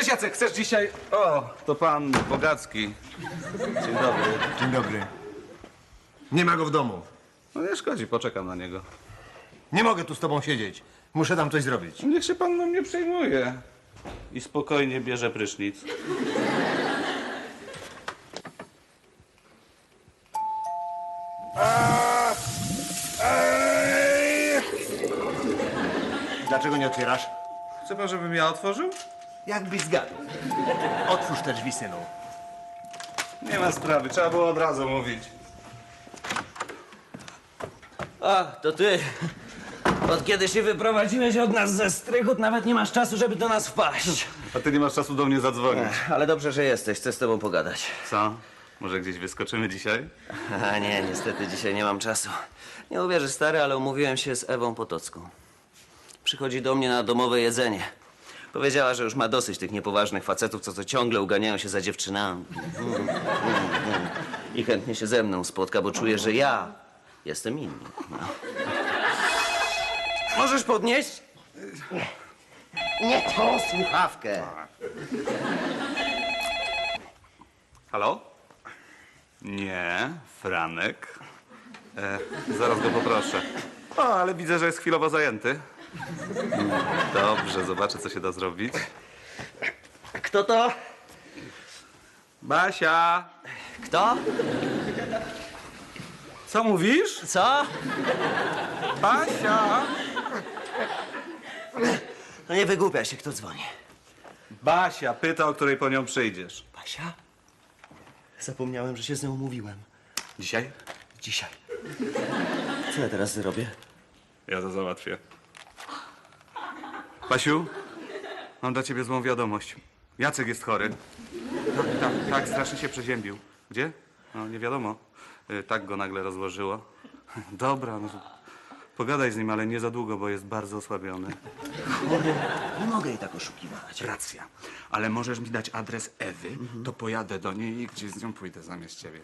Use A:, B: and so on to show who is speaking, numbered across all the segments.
A: Cześć Jacek, chcesz dzisiaj... O, to pan Bogacki. Dzień dobry.
B: Dzień dobry. Nie ma go w domu.
A: No nie szkodzi, poczekam na niego.
B: Nie mogę tu z tobą siedzieć. Muszę tam coś zrobić.
A: Niech się pan mną nie przejmuje. I spokojnie bierze prysznic.
B: Dlaczego nie otwierasz?
A: Chce pan, żebym ja otworzył?
B: Jakbyś zgadł. Otwórz te drzwi, synu.
A: Nie ma sprawy, trzeba było od razu mówić.
C: A, to ty. Od kiedy się wyprowadziłeś od nas ze Strychut, nawet nie masz czasu, żeby do nas wpaść.
A: A ty nie masz czasu do mnie zadzwonić.
C: Ale dobrze, że jesteś. Chcę z tobą pogadać.
A: Co? Może gdzieś wyskoczymy dzisiaj?
C: A nie, niestety dzisiaj nie mam czasu. Nie uwierzysz, stary, ale umówiłem się z Ewą Potocką. Przychodzi do mnie na domowe jedzenie. Powiedziała, że już ma dosyć tych niepoważnych facetów, co ciągle uganiają się za dziewczynami. I chętnie się ze mną spotka, bo czuje, że ja jestem inny. No. Możesz podnieść? Nie tą słuchawkę.
A: Halo? Nie, Franek. Zaraz go poproszę. O, ale widzę, że jest chwilowo zajęty. Dobrze, zobaczę, co się da zrobić.
C: Kto to?
A: Basia!
C: Kto?
A: Co mówisz?
C: Co?
A: Basia!
C: No nie wygłupiaj się, kto dzwoni.
A: Basia pyta, o której po nią przyjdziesz.
C: Basia? Zapomniałem, że się z nią umówiłem.
A: Dzisiaj?
C: Dzisiaj. Co ja teraz zrobię?
A: Ja to załatwię. Basiu, mam dla ciebie złą wiadomość. Jacek jest chory. Tak, strasznie się przeziębił. Gdzie? No, nie wiadomo. Tak go nagle rozłożyło. Dobra, no to pogadaj z nim, ale nie za długo, bo jest bardzo osłabiony.
C: Chory. Nie mogę jej tak oszukiwać.
A: Racja. Ale możesz mi dać adres Ewy, to pojadę do niej i gdzieś z nią pójdę zamiast ciebie.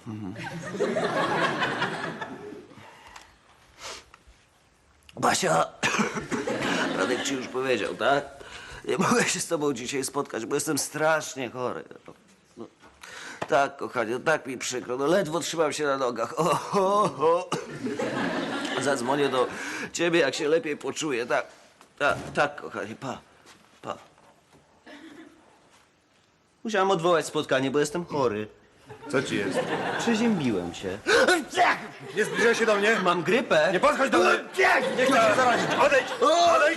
C: Basia, Radek ci już powiedział, tak? Nie mogę się z tobą dzisiaj spotkać, bo jestem strasznie chory. No, tak, kochanie, tak mi przykro. No, ledwo trzymam się na nogach. Zadzwonię do ciebie, jak się lepiej poczuję. Tak, kochanie, pa. Musiałam odwołać spotkanie, bo jestem chory.
B: Co ci jest?
C: Przeziębiłem się.
B: Nie zbliżaj się do mnie.
C: Mam grypę.
B: Nie podchodź do mnie. Nie chcę się zarazić. Odejdź! Odejdź!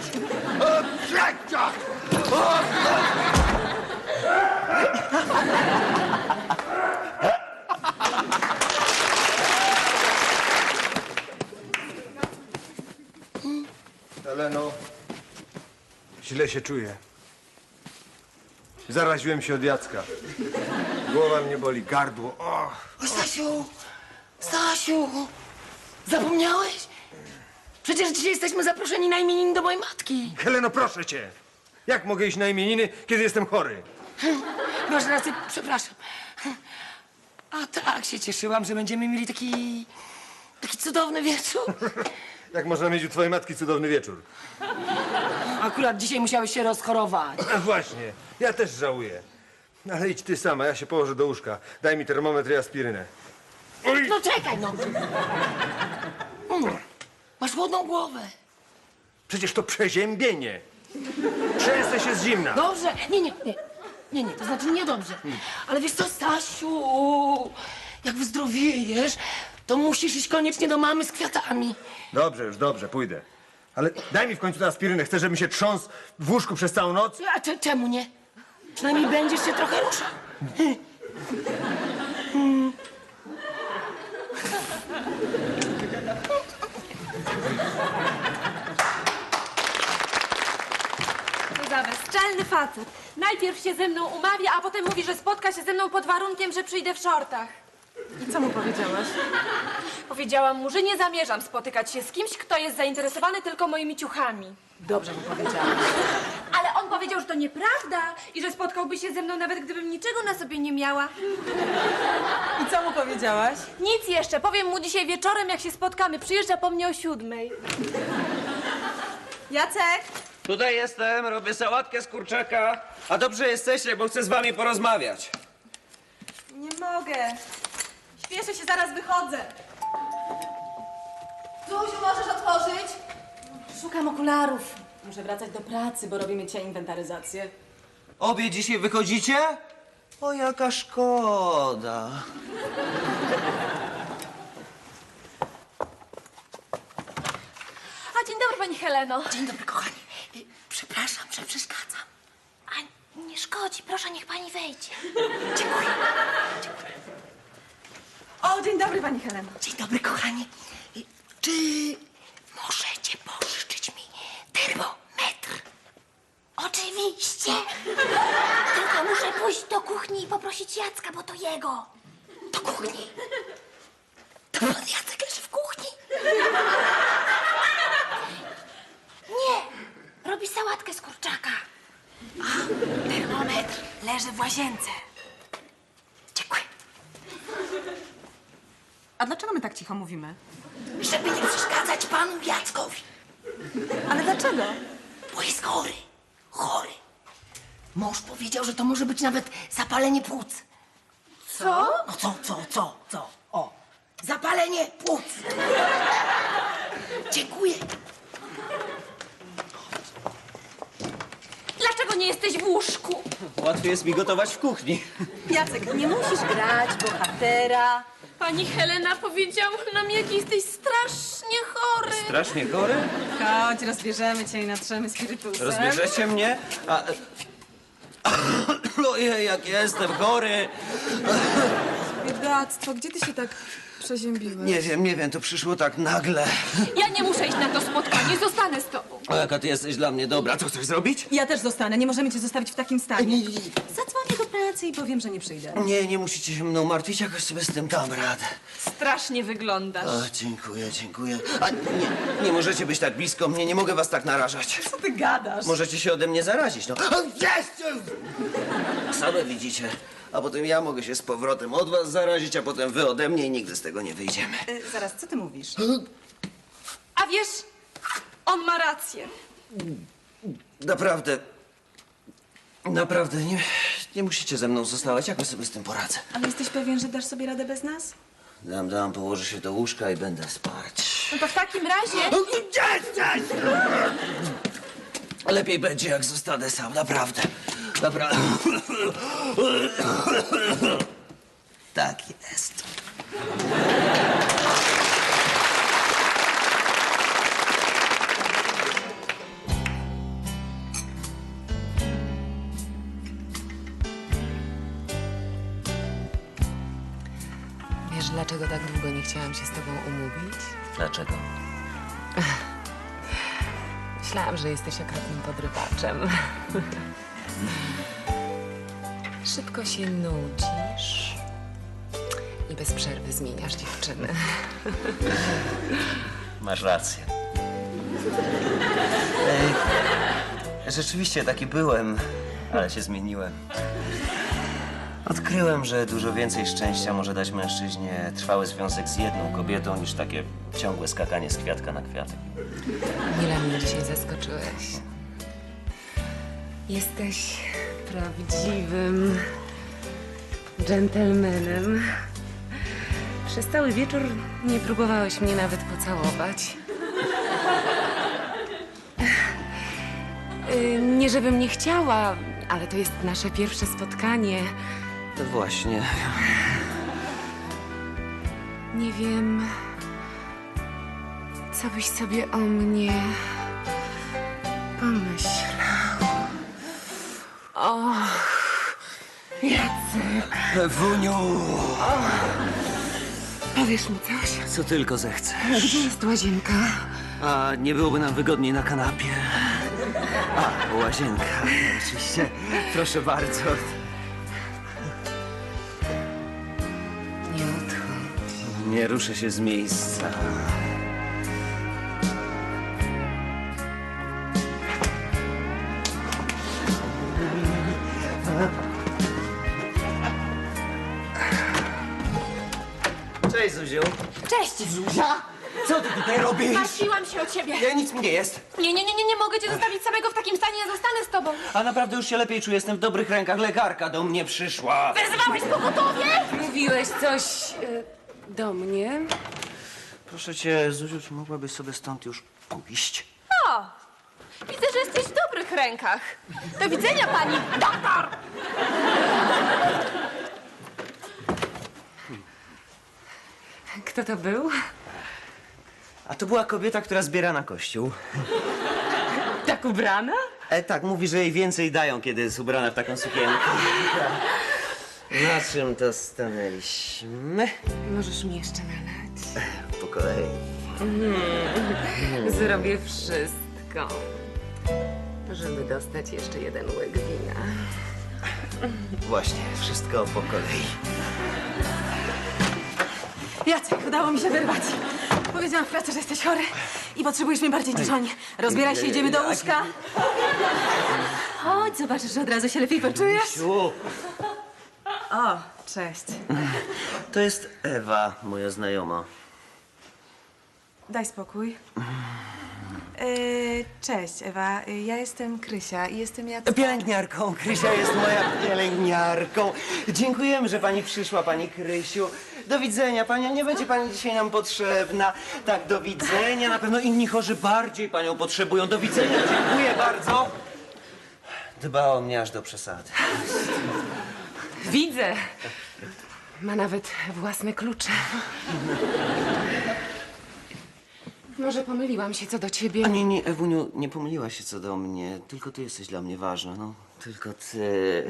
B: Heleno, źle się czuję. Zaraziłem się od Jacka. Głowa mnie boli, gardło. Och.
D: Stasiu, zapomniałeś? Przecież dzisiaj jesteśmy zaproszeni na imieniny do mojej matki.
B: Heleno, proszę cię. Jak mogę iść na imieniny, kiedy jestem chory?
D: Masz rację, przepraszam. A tak się cieszyłam, że będziemy mieli taki cudowny wieczór.
B: Jak można mieć u twojej matki cudowny wieczór?
D: Akurat dzisiaj musiałeś się rozchorować.
B: A właśnie, ja też żałuję. Ale idź ty sama, ja się położę do łóżka. Daj mi termometr i aspirynę.
D: No czekaj, no. Masz chłodną głowę.
B: Przecież to przeziębienie. Trzęsę się z zimna.
D: Dobrze, nie, to znaczy niedobrze. Ale wiesz co, Stasiu, jak wyzdrowiejesz, to musisz iść koniecznie do mamy z kwiatami.
B: Dobrze, już dobrze, pójdę. Ale daj mi w końcu tę aspirynę. Chcę, żeby się trząsł w łóżku przez całą noc.
D: A czemu nie? Przynajmniej będziesz się trochę ruszał.
E: Co za bezczelny facet. Najpierw się ze mną umawia, a potem mówi, że spotka się ze mną pod warunkiem, że przyjdę w szortach.
F: I co mu powiedziałaś?
E: Powiedziałam mu, że nie zamierzam spotykać się z kimś, kto jest zainteresowany tylko moimi ciuchami.
F: Dobrze mu powiedziałaś.
E: Ale on powiedział, że to nieprawda i że spotkałby się ze mną nawet gdybym niczego na sobie nie miała.
F: I co mu powiedziałaś?
E: Nic jeszcze. Powiem mu dzisiaj wieczorem, jak się spotkamy. Przyjeżdża po mnie o 7:00.
F: Jacek!
C: Tutaj jestem, robię sałatkę z kurczaka. A dobrze jesteście, bo chcę z wami porozmawiać.
F: Nie mogę. Śpieszę się, zaraz wychodzę.
D: Zuziu, możesz otworzyć? Szukam okularów.
F: Muszę wracać do pracy, bo robimy dzisiaj inwentaryzację.
C: Obie dzisiaj wychodzicie? O, jaka szkoda.
E: A dzień dobry, pani Heleno.
D: Dzień dobry, kochani. Przepraszam, że przeszkadzam.
E: A nie szkodzi, proszę, niech pani wejdzie.
D: Dziękuję.
F: O, dzień dobry, pani Heleno.
D: Dzień dobry, kochani. Czy możecie pożyczyć mi termometr?
E: Oczywiście. Tylko muszę pójść do kuchni i poprosić Jacka, bo to jego.
D: Do kuchni. To pan Jacek leży w kuchni?
E: Nie, robi sałatkę z kurczaka.
D: Termometr.
E: Leży w łazience.
D: Dziękuję.
F: A dlaczego my tak cicho mówimy?
D: Żeby nie przeszkadzać panu Jackowi.
F: Ale dlaczego?
D: Bo jest chory. Chory. Mąż powiedział, że to może być nawet zapalenie płuc.
E: Co?
D: No co? O, zapalenie płuc. Dziękuję.
E: Dlaczego nie jesteś w łóżku?
C: Łatwiej jest mi gotować w kuchni.
F: Jacek, nie musisz grać bohatera.
E: Pani Helena powiedziała nam, jak jesteś strasznie chory.
C: Strasznie chory?
F: Chodź, rozbierzemy cię i natrzemy spirytusem.
C: Rozbierzecie mnie? Ojej, jak jestem chory.
F: Biedactwo, gdzie ty się tak przeziębiłeś?
C: Nie wiem, to przyszło tak nagle.
E: Ja nie muszę iść na to spotkanie, zostanę z tobą.
C: O, jaka ty jesteś dla mnie dobra. Co chcesz zrobić?
F: Ja też zostanę, nie możemy cię zostawić w takim stanie. Zadzwonię do pracy i powiem, że nie przyjdę.
C: Nie musicie się mną martwić, jakoś sobie z tym dam radę.
E: Strasznie wyglądasz.
C: O, dziękuję. A nie możecie być tak blisko mnie, nie mogę was tak narażać.
F: Co ty gadasz?
C: Możecie się ode mnie zarazić, no. O, jest! Same widzicie. A potem ja mogę się z powrotem od was zarazić, a potem wy ode mnie i nigdy z tego nie wyjdziemy.
F: Zaraz, co ty mówisz?
E: A wiesz, on ma rację.
C: Naprawdę, nie musicie ze mną zostawać, jakoś sobie z tym poradzę.
F: Ale jesteś pewien, że dasz sobie radę bez nas?
C: Położę się do łóżka i będę spać.
E: No to w takim razie...
C: Lepiej będzie, jak zostanę sam, naprawdę. Tak jest.
G: Wiesz, dlaczego tak długo nie chciałam się z tobą umówić?
C: Dlaczego?
G: Myślałam, że jesteś okropnym podrywaczem. Szybko się nudzisz i bez przerwy zmieniasz dziewczyny.
C: Masz rację. Rzeczywiście taki byłem, ale się zmieniłem. Odkryłem, że dużo więcej szczęścia może dać mężczyźnie trwały związek z jedną kobietą, niż takie ciągłe skakanie z kwiatka na kwiatek.
G: Mile mnie dzisiaj zaskoczyłeś. Jesteś prawdziwym dżentelmenem. Przez cały wieczór nie próbowałeś mnie nawet pocałować. Nie żebym nie chciała, ale to jest nasze pierwsze spotkanie.
C: No właśnie.
G: Nie wiem, co byś sobie o mnie pomyślał. Jacek,
C: Wuniu!
G: powiesz mi coś?
C: Co tylko zechcesz.
G: Gdzie jest łazienka?
C: A nie byłoby nam wygodniej na kanapie? A, łazienka. Oczywiście. Proszę bardzo.
G: Nie odchodź.
C: Nie ruszę się z miejsca. Cześć, Zuziu.
E: Cześć!
C: Zuzia? Co ty tutaj robisz?
E: Martwiłam się o ciebie.
C: Ja, nic mi nie jest.
E: Nie mogę cię zostawić samego w takim stanie, ja zostanę z tobą.
C: A naprawdę już się lepiej czuję, jestem w dobrych rękach. Lekarka do mnie przyszła.
E: Wezwałeś pogotowie?
G: Mówiłeś coś do mnie?
C: Proszę cię, Zuziu, czy mogłabyś sobie stąd już pójść?
E: O, widzę, że jesteś w dobrych rękach. Do widzenia, pani doktor!
G: Kto to był?
C: A to była kobieta, która zbiera na kościół.
G: Tak ubrana?
C: Tak, mówi, że jej więcej dają, kiedy jest ubrana w taką sukienkę. Na czym to stanęliśmy?
G: Możesz mi jeszcze nalać.
C: Po kolei.
G: Zrobię wszystko, żeby dostać jeszcze jeden łyk wina.
C: Właśnie, wszystko po kolei.
F: Jacek, udało mi się wyrwać. Powiedziałam w pracy, że jesteś chory i potrzebujesz mnie bardziej niż oni. Rozbieraj się, idziemy do łóżka. Chodź, zobaczysz, że od razu się lepiej poczujesz.
C: Siu,
F: O, cześć.
C: to jest Ewa, moja znajoma.
F: Daj spokój. Cześć, Ewa. Ja jestem Krysia i jestem Jacek.
C: Pielęgniarką. Krysia jest moja pielęgniarką. Dziękujemy, że pani przyszła, pani Krysiu. Do widzenia, pani. Nie będzie pani dzisiaj nam potrzebna. Tak, do widzenia. Na pewno inni chorzy bardziej panią potrzebują. Do widzenia. Dziękuję bardzo. Dba o mnie aż do przesady.
G: Widzę. Ma nawet własne klucze. Może pomyliłam się co do ciebie.
C: A nie, Ewuniu, nie pomyliłaś się co do mnie. Tylko ty jesteś dla mnie ważna, no. Tylko ty.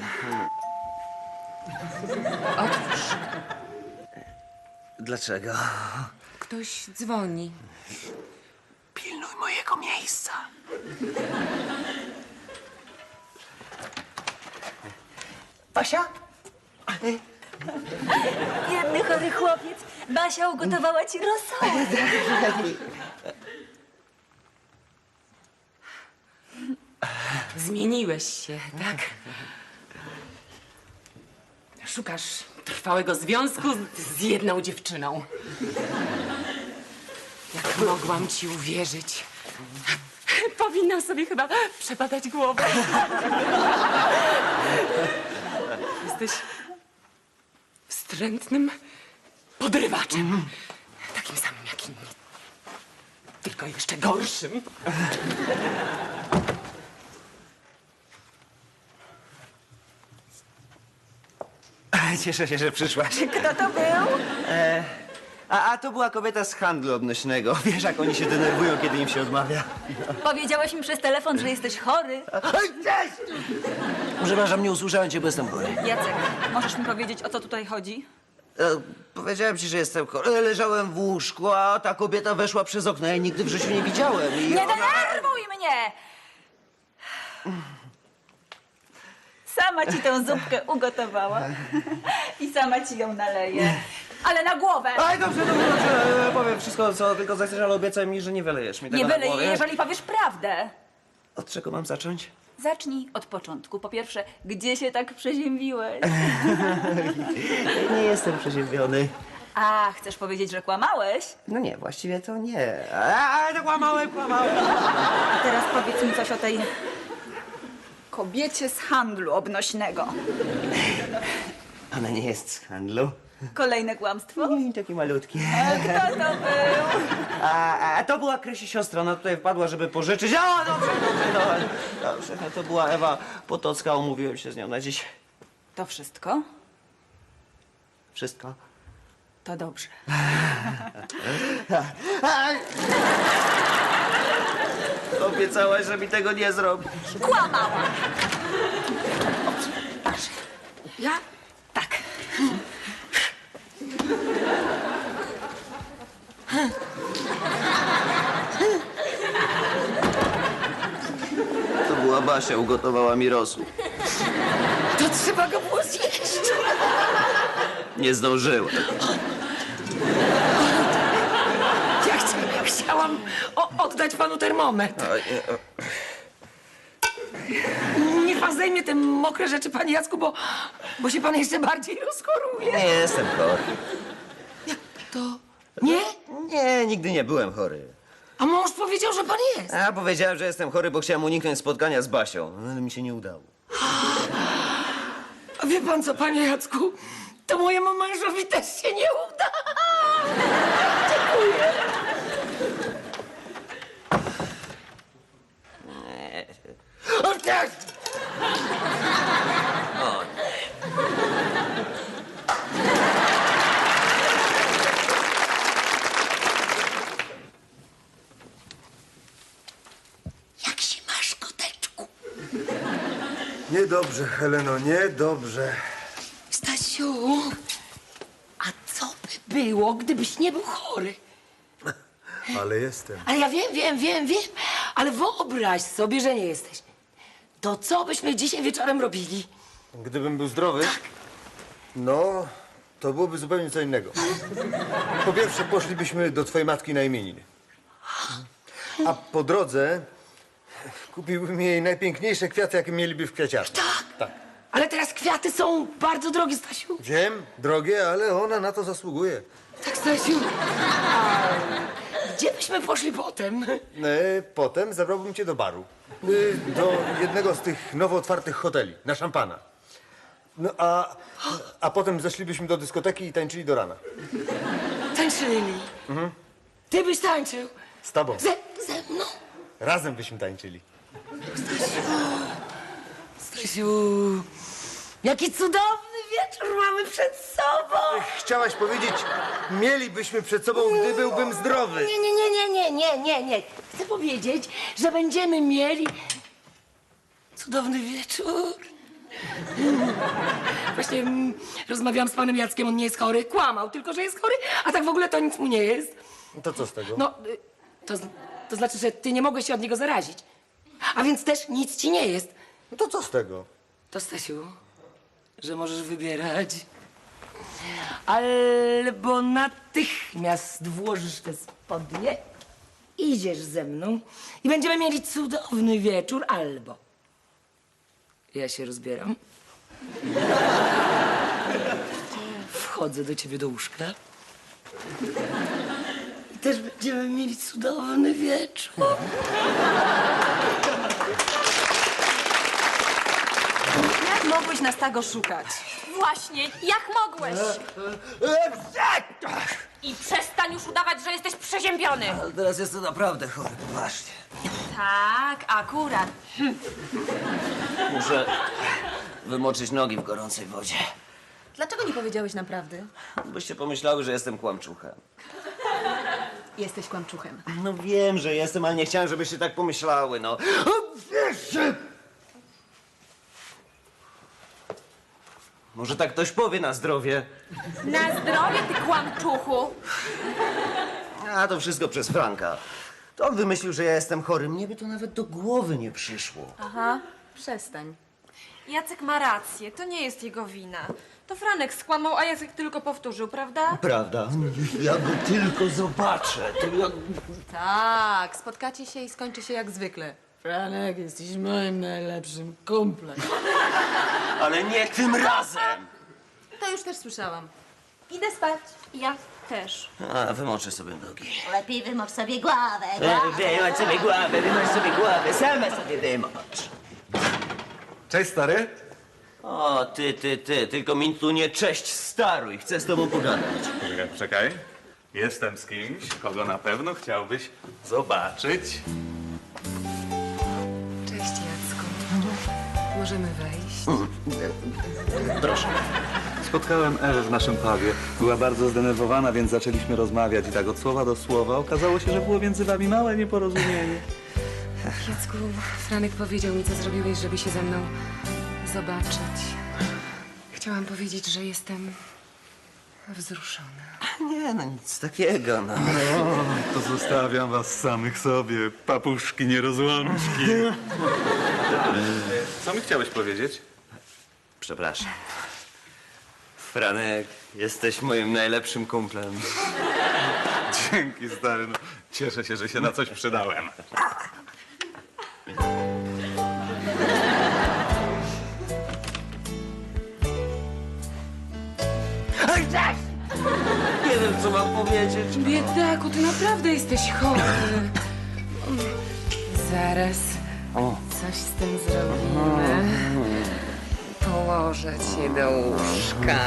G: Otwórz.
C: Dlaczego?
G: Ktoś dzwoni.
C: Pilnuj mojego miejsca. Basia?
H: Biedny chory chłopiec. Basia ugotowała ci rosołek.
G: Zmieniłeś się, tak? Szukasz trwałego związku z jedną dziewczyną. Jak mogłam ci uwierzyć? Powinnam sobie chyba przebadać głowę. Jesteś wstrętnym podrywaczem. Takim samym jak inni. Tylko jeszcze gorszym.
C: Cieszę się, że przyszłaś.
H: Kto to był?
C: A to była kobieta z handlu obnośnego. Wiesz, jak oni się denerwują, kiedy im się odmawia.
H: Powiedziałeś mi przez telefon, że jesteś chory.
C: Przepraszam, nie usłyszałem cię, bo jestem chory.
H: Jacek, możesz mi powiedzieć, o co tutaj chodzi?
C: Powiedziałem ci, że jestem chory. Leżałem w łóżku, a ta kobieta weszła przez okno. Ja jej nigdy w życiu nie widziałem. I
H: Nie
C: ona...
H: denerwuj mnie! Sama ci tę zupkę ugotowała i sama ci ją naleję. Ale na głowę!
C: Aj, dobrze, powiem wszystko, co tylko zechcesz, ale obiecaj mi, że nie wylejesz mi tego
H: Nie
C: na
H: byle,
C: głowę.
H: jeżeli powiesz prawdę.
C: Od czego mam zacząć?
H: Zacznij od początku. Po pierwsze, gdzie się tak przeziębiłeś?
C: Nie jestem przeziębiony.
H: A, chcesz powiedzieć, że kłamałeś?
C: No nie, właściwie to nie. Ale to kłamałem.
H: A teraz powiedz mi coś o tej kobiecie z handlu obnośnego.
C: Ona nie jest z handlu.
H: Kolejne kłamstwo?
C: Nie, taki malutki.
H: Kto to był?
C: A to była Krysi siostra, ona tutaj wpadła, żeby pożyczyć. O, dobrze. To była Ewa Potocka, umówiłem się z nią na dziś.
H: To wszystko?
C: Wszystko.
H: To dobrze.
C: Obiecałaś, że mi tego nie zrobisz.
H: Kłamała!
D: Ja?
H: Tak.
C: To była Basia, ugotowała mi rosół.
D: To trzeba go było zjeść.
C: Nie zdążyłem.
D: Ja chciałam oddać panu termometr. Niech pan zdejmie te mokre rzeczy, panie Jacku, bo się pan jeszcze bardziej rozchoruje.
C: Nie jestem chory.
D: To... Nie?
C: Nie, nigdy nie byłem chory.
D: A mąż powiedział, że pan jest.
C: A powiedziałem, że jestem chory, bo chciałem uniknąć spotkania z Basią, ale mi się nie udało.
D: A wie pan co, panie Jacku? To mojemu mężowi też się nie uda. Dziękuję. O tak! Jak się masz, koteczku?
B: Niedobrze, Heleno, niedobrze.
D: Stasiu, a co by było, gdybyś nie był chory?
B: Ale jestem.
D: Ale ja wiem, ale wyobraź sobie, że nie jesteś. To co byśmy dzisiaj wieczorem robili?
B: Gdybym był zdrowy, no, to byłoby zupełnie co innego. Po pierwsze, poszlibyśmy do twojej matki na imieniny. A po drodze kupiłbym jej najpiękniejsze kwiaty, jakie mieliby w kwiaciarni.
D: Tak. Ale teraz kwiaty są bardzo drogie, Stasiu.
B: Wiem, drogie, ale ona na to zasługuje.
D: Tak, Stasiu. A gdzie byśmy poszli potem?
B: Potem zabrałbym cię do baru. Do jednego z tych nowo otwartych hoteli, na szampana. No, a potem zeszlibyśmy do dyskoteki i tańczyli do rana.
D: Tańczyli. Ty byś tańczył.
B: Z tobą.
D: Ze mną.
B: Razem byśmy tańczyli.
D: Stasiu, jaki cudowny wieczór mamy przed sobą.
B: Chciałaś powiedzieć, mielibyśmy przed sobą, gdy byłbym zdrowy.
D: Nie. Chcę powiedzieć, że będziemy mieli cudowny wieczór. Właśnie rozmawiałam z panem Jackiem, on nie jest chory. Kłamał tylko, że jest chory, a tak w ogóle to nic mu nie jest.
B: To co z tego?
D: No, to znaczy, że ty nie mogłeś się od niego zarazić. A więc też nic ci nie jest.
B: No to co z tego?
D: To, Stasiu, że możesz wybierać. Albo natychmiast włożysz te spodnie, idziesz ze mną i będziemy mieli cudowny wieczór, albo ja się rozbieram, wchodzę do ciebie do łóżka i też będziemy mieli cudowny wieczór.
F: Jak mogłeś nas tak oszukać?
E: Właśnie, jak mogłeś? I przestań już udawać, że jesteś przeziębiony.
C: Ale teraz jestem naprawdę chory, poważnie.
E: Tak, akurat.
C: Muszę wymoczyć nogi w gorącej wodzie.
F: Dlaczego nie powiedziałeś nam prawdy?
C: Byście pomyślały, że jestem kłamczuchem.
F: Jesteś kłamczuchem.
C: No wiem, że jestem, ale nie chciałem, żebyście tak pomyślały, no. Może tak ktoś powie na zdrowie.
E: Na zdrowie, ty kłamczuchu.
C: A to wszystko przez Franka. To on wymyślił, że ja jestem chory. Mnie by to nawet do głowy nie przyszło.
F: Aha, przestań.
E: Jacek ma rację, to nie jest jego wina. To Franek skłamał, a Jacek tylko powtórzył, prawda?
C: Prawda? Ja go tylko zobaczę. To ja...
F: Tak, spotkacie się i skończy się jak zwykle.
D: Franek, jesteś moim najlepszym kumplem.
C: Ale nie tym razem!
F: To już też słyszałam.
H: Idę spać.
E: Ja też.
C: A, wymoczę sobie nogi.
H: Lepiej wymocz sobie głowę.
C: Wymocz sobie głowę, wymocz sobie głowę. Sama sobie wymocz.
A: Cześć, stary.
C: O, ty, tylko mi tu nie cześć staruj. Chcę z tobą pogadać.
A: Czekaj. Jestem z kimś, kogo na pewno chciałbyś zobaczyć.
G: Cześć, Jacku. Możemy wejść?
C: Proszę.
A: Spotkałem Ewę w naszym pubie. Była bardzo zdenerwowana, więc zaczęliśmy rozmawiać i tak od słowa do słowa okazało się, że było między wami małe nieporozumienie.
G: Jacku, Franek powiedział mi, co zrobiłeś, żeby się ze mną zobaczyć. Chciałam powiedzieć, że jestem wzruszona.
C: Nie, no nic takiego, no.
A: To zostawiam was samych sobie, papuszki nierozłączki. Co mi chciałeś powiedzieć?
C: Przepraszam. Franek, jesteś moim najlepszym kumplem.
A: Dzięki, stary. No, cieszę się, że się na coś przydałem.
C: Nie wiem, co mam powiedzieć.
G: Biedaku, ty naprawdę jesteś chory. Zaraz coś z tym zrobimy. Położę cię do łóżka.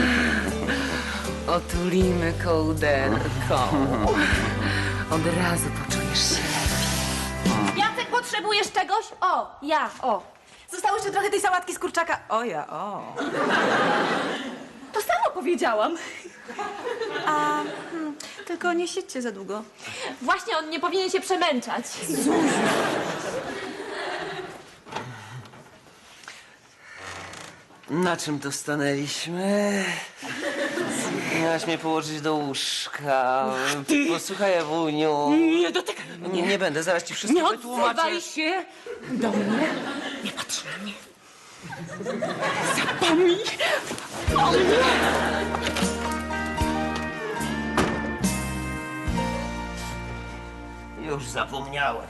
G: Otulimy kołderką. Od razu poczujesz się lepiej.
E: Jacek, potrzebujesz czegoś? O, ja, o.
F: Zostało jeszcze trochę tej sałatki z kurczaka. O ja, o.
H: To samo powiedziałam. Tylko nie siedźcie za długo.
E: Właśnie on nie powinien się przemęczać.
C: Na czym to stanęliśmy? Miałaś mnie położyć do łóżka. Posłuchaj, Ewuniu.
G: Nie dotykaj mnie.
C: Nie będę, zaraz ci wszystko
G: Nie
C: wytłumaczę.
G: odzywaj się do mnie. Nie patrz na mnie. Zapomnij o mnie.
C: Już zapomniałem.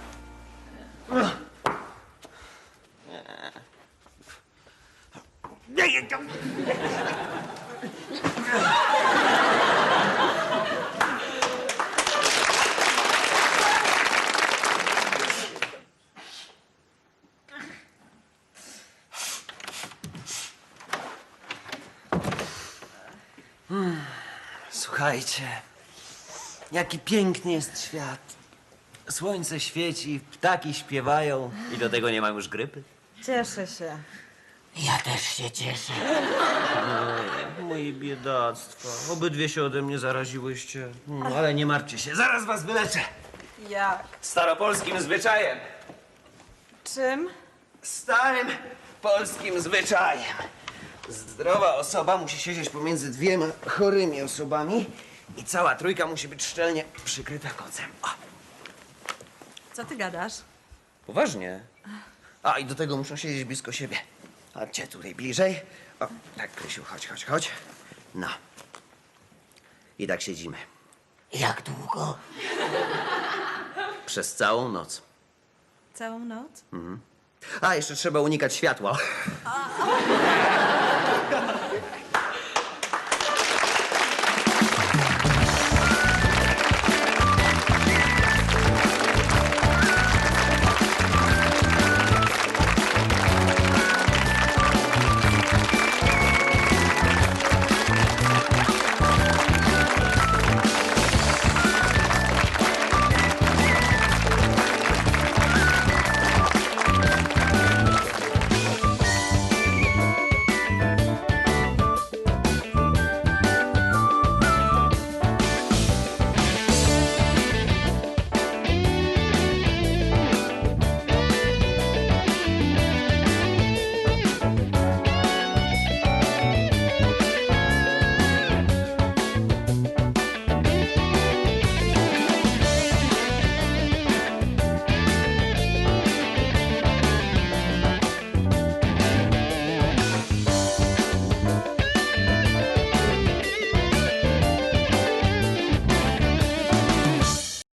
C: Słuchajcie, jaki piękny jest świat. Słońce świeci, ptaki śpiewają i do tego nie mam już grypy.
F: Cieszę się.
D: Ja też się cieszę.
C: Moje biedactwo. Obydwie się ode mnie zaraziłyście. Ale nie martwcie się, zaraz was wyleczę.
F: Jak?
C: Staropolskim zwyczajem.
F: Czym?
C: Starym polskim zwyczajem. Zdrowa osoba musi siedzieć pomiędzy dwiema chorymi osobami i cała trójka musi być szczelnie przykryta kocem. O,
F: Co ty gadasz?
C: poważnie. A, i do tego muszą siedzieć blisko siebie. Chodźcie tutaj bliżej. O, tak, Krysiu, chodź. No. I tak siedzimy.
D: Jak długo?
C: Przez całą noc.
F: Całą noc?
C: A, jeszcze trzeba unikać światła.